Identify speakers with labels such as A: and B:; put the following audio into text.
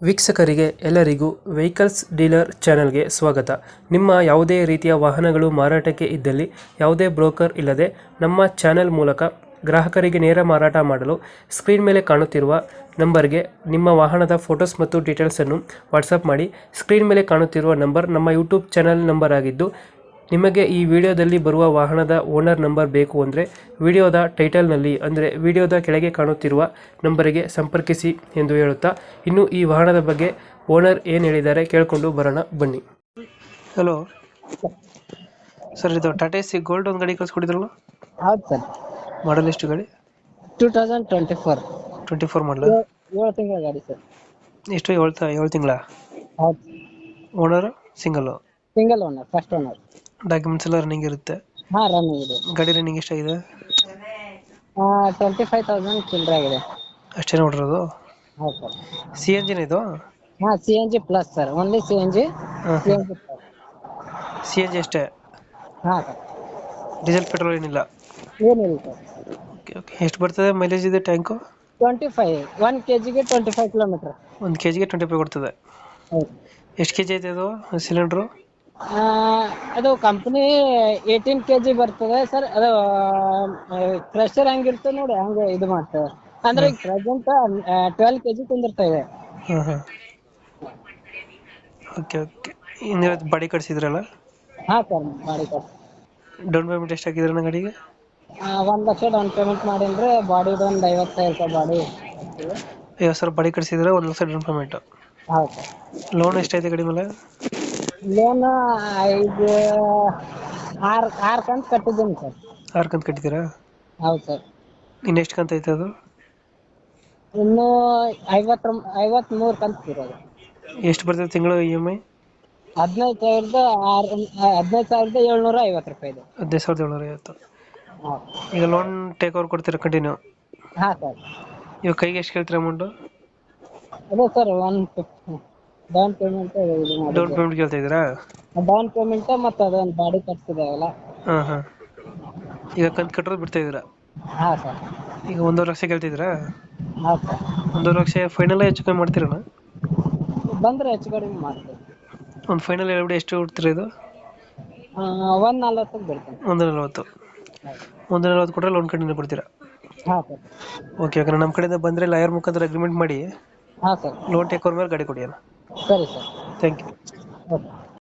A: ವೀಕ್ಷಕರಿಗೆ ಎಲ್ಲರಿಗೂ vehicles dealer ಚಾನೆಲ್ಗೆ ಸ್ವಾಗತ. ನಿಮ್ಮ ಯಾವುದೇ ರೀತಿಯ ವಾಹನಗಳು ಮಾರಾಟಕ್ಕೆ ಇದ್ದಲ್ಲಿ ಯಾವುದೇ ಬ್ರೋಕರ್ ಇಲ್ಲದೆ ನಮ್ಮ ಚಾನೆಲ್ ಮೂಲಕ ಗ್ರಾಹಕರಿಗೆ ನೇರ ಮಾರಾಟ ಮಾಡಲು ಸ್ಕ್ರೀನ್ ಮೇಲೆ ಕಾಣುತ್ತಿರುವ ನಂಬರ್ಗೆ ನಿಮ್ಮ ವಾಹನದ ಫೋಟೋಸ್ ಮತ್ತು ಡೀಟೇಲ್ಸನ್ನು ವಾಟ್ಸಪ್ ಮಾಡಿ. ಸ್ಕ್ರೀನ್ ಮೇಲೆ ಕಾಣುತ್ತಿರುವ ನಂಬರ್ ನಮ್ಮ ಯೂಟ್ಯೂಬ್ ಚಾನೆಲ್ ನಂಬರ್ ಆಗಿದ್ದು, ನಿಮಗೆ ಈ ವಿಡಿಯೋದಲ್ಲಿ ಬರುವ ವಾಹನದ ಓನರ್ ನಂಬರ್ ಬೇಕು ಅಂದರೆ ವಿಡಿಯೋದ ಟೈಟಲ್ನಲ್ಲಿ ಅಂದರೆ ವಿಡಿಯೋದ ಕೆಳಗೆ ಕಾಣುತ್ತಿರುವ ನಂಬರಿಗೆ ಸಂಪರ್ಕಿಸಿ ಎಂದು ಹೇಳುತ್ತಾ, ಇನ್ನು ಈ ವಾಹನದ ಬಗ್ಗೆ ಓನರ್ ಏನು ಹೇಳಿದ್ದಾರೆ ಕೇಳಿಕೊಂಡು ಬರೋಣ ಬನ್ನಿ. ಹಲೋ ಸರ್, ಇದು ಟಾಟಾ ಸಿ ಗೋಲ್ಡ್ ಒಂದು ಗಾಡಿ ಕಳಿಸ್ಕೊಟ್ಟಿದ್ರಲ್ಲ,
B: ಹೌದು ಸರ್.
A: ಮಾಡಲ್ ಎಷ್ಟು ಗಾಡಿ?
B: 2024
A: 24 ಮಾಡಲ.
B: 7 ತಿಂಗಳ ಗಾಡಿ ಸರ್.
A: ಎಷ್ಟು? 7 ತಿಂಗಳ.
B: ಹೌದು,
A: owner single?
B: Single owner, first owner.
A: Documents ಎಲ್ಲ ರನ್ನಿಂಗ್ ಇರುತ್ತೆ?
B: ಹಾ, ರನ್ನಿಂಗ್ ಇದೆ.
A: ಗಾಡಿ ರನ್ನಿಂಗ್ ಎಷ್ಟಾಗಿದೆ?
B: 25,000 ಚಿಲ್ಲರೆ ಆಗಿದೆ.
A: ಅಷ್ಟೇ ನೋಡಿರೋದು?
B: ಹೌದು ಸರ್.
A: ಸಿ ಎಂಜಿನ್ ಇದು?
B: ಹಾ, CNG plus sir, only CNG. CNG plus.
A: C N G ಅಷ್ಟೇ?
B: ಹಾ ಸರ್.
A: ಡೀಸೆಲ್ ಪೆಟ್ರೋಲ್ ಏನಿಲ್ಲ?
B: ಏನಿಲ್ಲ ಸರ್.
A: Okay okay. ಎಷ್ಟು ಬರ್ತದೆ ಮೈಲೇಜ್ ಇದೆ ಟ್ಯಾಂಕು?
B: 25, 1 kg 25 kilometre.
A: 1 kg 25 ಕೊಡ್ತದೆ?
B: ಹೌದು.
A: ಎಷ್ಟು ಕೆ ಜಿ ಐತೆ ಅದು ಸಿಲಿಂಡ್ರು?
B: ಅದು ಕಂಪ್ನಿ 18 kg ಬರ್ತದೆ ಸರ್. ಅದು ಪ್ರೆಷರ್ ಹೆಂಗಿರ್ತದೆ ನೋಡಿ, ಹಂಗೆ ಇದು ಮಾಡ್ತದೆ. ಅಂದ್ರೆ ಈಗ ಪ್ರೆಸೆಂಟ್ 12 kg ಕುಂದಿರ್ತಾ ಇದೆ.
A: ಹಾಂ ಹಾಂ. Okay okay. ಇನ್ನು ಬಾಡಿ ಕಟ್ಸಿದ್ರಲ್ಲ?
B: ಹಾ ಸರ್, ಮಾಡಿ ಕೊಡ್ತೀವಿ.
A: ಡೌನ್ ಪೇಮೆಂಟ್ ಎಷ್ಟು ಹಾಕಿದ್ರಣ್ಣ ಗಾಡಿಗೆ?
B: 1 ಲಕ್ಷ ಡೌನ್ ಪೇಮೆಂಟ್ ಮಾಡಿದ್ರೆ ಬಾಡಿದು ಒಂದು 50,000 ರೂಪಾಯಿ ಬಾಡಿ.
A: 50,000 ಬಾಡಿ ಕಟ್ಸಿದ್ರೆ 1 ಲಕ್ಷ ಡೌನ್ ಪೇಮೆಂಟ್.
B: ಹೌದು ಸರ್.
A: ಲೋನ್ ಎಷ್ಟೈತೆ ಗಾಡಿ ಮೇಲೆ?
B: ಲೋನ್ 6 ಕಂತು ಕಟ್ಟಿದ್ದೀನಿ ಸರ್.
A: 6 ಕಂತು ಕಟ್ಟಿದ್ದೀರಾ?
B: ಹೌದು ಸರ್.
A: ಇನ್ನು ಎಷ್ಟು ಕಂತು ಐತೆ ಅದು?
B: ಇನ್ನು 53 ಕಂತು ಇರೋದು.
A: ಎಷ್ಟು ಬರ್ತದೆ ತಿಂಗಳು ಇ ಎಮ್ ಐ?
B: 15,750 ರೂಪಾಯಿ ಇದೆ.
A: 15,750.
B: ಹಾಂ.
A: ಈಗ ಲೋನ್ ಟೇಕ್ ಓವರ್ ಕೊಡ್ತೀರಾ ಕಂಟಿನ್ಯೂ?
B: ಹಾಂ ಸರ್.
A: ಇವಾಗ ಕೈಗೆ ಎಷ್ಟು ಕೇಳ್ತೀರಾ ಅಮೌಂಟು?
B: ಅದೇ ಸರ್, 150 ಡೌನ್ ಪೇಮೆಂಟ್ ಇದು
A: ಡೌನ್
B: ಮಾಡಿದ್ದೆ.
A: ಪೇಮೆಂಟ್ ಕೇಳ್ತಾ ಇದ್ದೀರಾ?
B: ಡೌನ್ ಪೇಮೆಂಟ್ ಮತ್ತು ಅದೊಂದು ಬಾಡಿ ಕಟ್ಸಿದಾವಲ್ಲ.
A: ಹಾಂ ಹಾಂ. ಈಗ ಕಂತು ಕಟ್ಟೋದು ಬಿಡ್ತಾ ಇದ್ದೀರಾ?
B: ಹಾಂ ಸರ್.
A: ಈಗ 1.5 ಲಕ್ಷ ಕೇಳ್ತಿದ್ದೀರಾ?
B: ಹಾಂ ಸರ್.
A: 1.5 ಲಕ್ಷ ಫೈನಲ್ ಹೆಚ್ಚು ಕಮ್ಮಿ ಮಾಡ್ತೀರಣ್ಣ?
B: ಬಂದರೆ ಹೆಚ್ಚು ಕಡಿಮೆ ಮಾಡ್ತೀವಿ.
A: ಒಂದು ಫೈನಲ್ ಹೇಳ್ಬಿಡಿ, ಎಷ್ಟು ಕೊಡ್ತೀರಾ ಇದು?
B: 140ಕ್ಕೆ ಬಿಡ್ತೀನಿ.
A: 140. 140 ಕೊಟ್ಟರೆ ಲೋನ್ ಕಂಟಿನ್ಯೂ ಕೊಡ್ತೀರಾ?
B: ಹಾಂ ಸರ್.
A: Okay okay. ನಮ್ಮ ಕಡೆಯಿಂದ ಬಂದರೆ ಲಾಯರ್ ಮುಖಾಂತರ ಅಗ್ರಿಮೆಂಟ್ ಮಾಡಿ
B: ಹಾಂ ಸರ್.
A: ಲೋನ್ ಟೇಕ್ ಓವರ್ ಮೇಲೆ ಗಾಡಿ ಕೊಡಿ ಅಣ್ಣ.
B: ಸರಿ ಸರ್.
A: Thank you.
B: ಓಕೆ.